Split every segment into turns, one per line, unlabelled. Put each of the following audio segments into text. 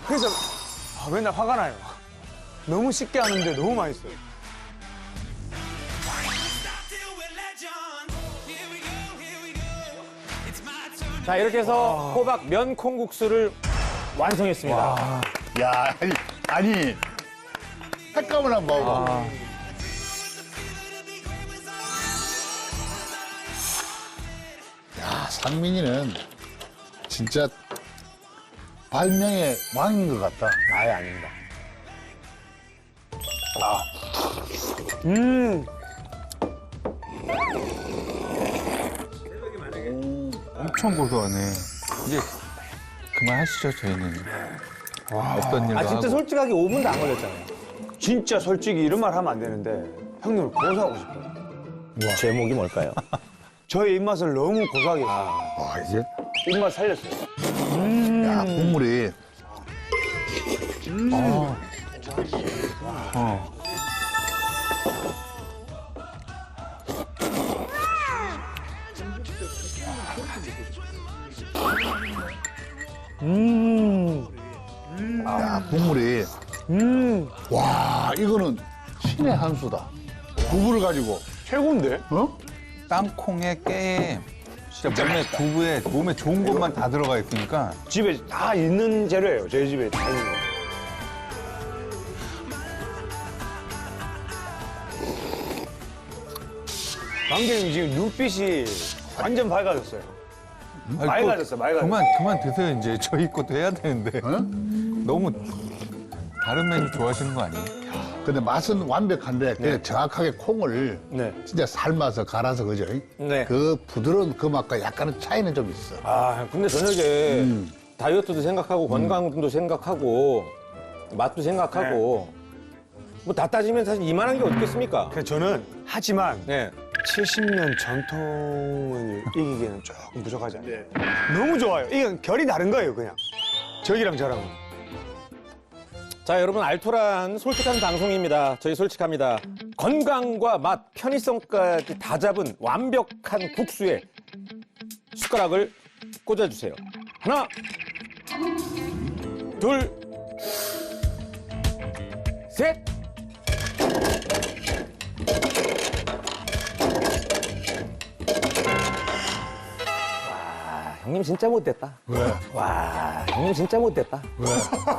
그래서 맨날 화가 나요. 너무 쉽게 하는데 너무 맛있어요.
자, 이렇게 해서 호박 면 콩국수를 완성했습니다.
야, 아니, 색감을 한번 봐봐. 야, 상민이는 진짜 발명의 왕인 것 같다.
아예 아닙니다.
엄청 고소하네. 이제 그만하시죠, 저희는. 어떤 일도
아, 진짜
하고.
솔직하게 5분도 안 걸렸잖아요.
진짜 솔직히 이런 말 하면 안 되는데 형님을 고소하고 싶어요.
제목이 뭘까요?
저의 입맛을 너무 고소하게 했어요.
와, 이제,
입맛 살렸어요.
야, 국물이. 야, 국물이. 와, 이거는 신의 한 수다. 두부를 가지고,
최고인데?
어?
땅콩에 깨에 진짜 몸에 좋은 것만 다 들어가 있으니까
집에 다 있는 재료예요. 저희 집에 다 있는 거. 강경님 지금 눈빛이 완전 밝아졌어요. 맑아졌어.
그만 드세요, 이제. 저희 것도 해야 되는데. 너무 다른 메뉴 좋아하시는 거 아니에요?
근데 맛은 완벽한데, 그냥 정확하게 콩을
네.
진짜 삶아서 갈아서, 그죠?
네.
그 부드러운 그 맛과 약간의 차이는 좀 있어.
아, 근데 저녁에 다이어트도 생각하고 건강도 생각하고 맛도 생각하고 뭐 다 따지면 사실 이만한 게 어떻겠습니까?
그래서 저는 하지만
네.
70년 전통을 이기기에는 조금 부족하지 않아요? 너무 좋아요. 이건 결이 다른 거예요, 그냥. 저기랑 저랑은.
자, 여러분, 알토란 솔직한 방송입니다. 저희 솔직합니다. 건강과 맛, 편의성까지 다 잡은 완벽한 국수에 숟가락을 꽂아주세요. 하나, 둘, 셋. 와, 형님 진짜 못됐다.
왜?
와, 형님 진짜 못됐다.
왜?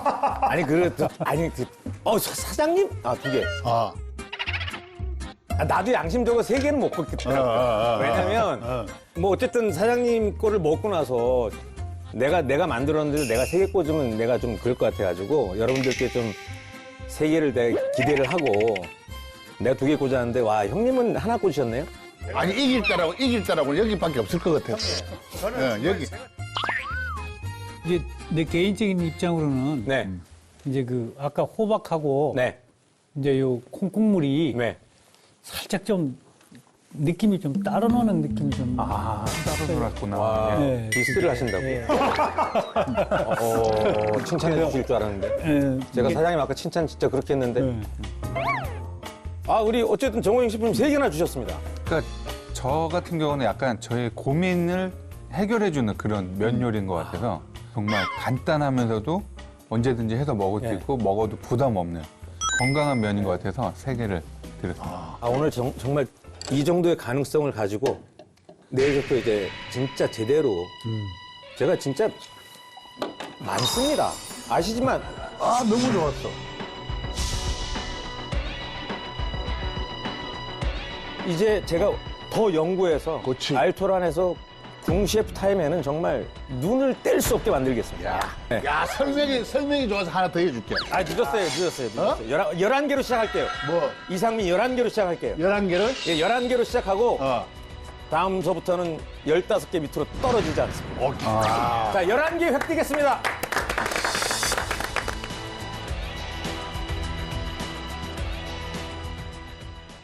사장님? 아, 2개.
아.
아, 나도 양심적으로 3개는 못 먹겠더라고요. 왜냐면, 뭐, 어쨌든 사장님 거를 먹고 나서 내가 만들었는데 내가 3개 꽂으면 내가 좀 그럴 것 같아가지고 여러분들께 좀 3개를 내가 기대를 하고 내가 2개 꽂았는데, 와, 형님은 하나 꽂으셨네요?
아니, 이길 때라고 여기밖에 없을 것 같았어. 여기.
이제 내 개인적인 입장으로는
네.
이제 그 아까 호박하고
네.
이제 요 콩국물이
네.
살짝 좀 느낌이 좀 따로 노는 느낌이 좀
따로 놀았구나.
와,
네.
디스를 하신다고.
예.
칭찬해 주실 줄 알았는데.
예,
제가
이게-
사장님 아까 칭찬 진짜 그렇게 했는데.
예.
아, 우리 어쨌든 정호영 식품 3개나 주셨습니다.
그러니까 저 같은 경우는 약간 저의 고민을 해결해주는 그런 면 요리인 것 같아서 정말 간단하면서도 언제든지 해서 먹을 수 있고 먹어도 부담 없는 건강한 면인 것 같아서 3개를 드렸습니다.
아, 오늘 정말 이 정도의 가능성을 가지고 내일부터 이제 진짜 제대로 제가 진짜 많습니다. 아시지만
아, 너무 좋았어.
이제 제가 더 연구해서
그치.
알토란에서 궁셰프 타임에는 정말 눈을 뗄 수 없게 만들겠습니다.
야,
네.
야, 설명이 좋아서 하나 더 해줄게.
아, 늦었어요. 11개로 시작할게요.
뭐,
이상민 11개로 시작할게요.
11개를?
예, 11개로 시작하고
어.
다음서부터는 15개 밑으로 떨어지지 않습니다.
오케이.
자, 11개 획득했습니다.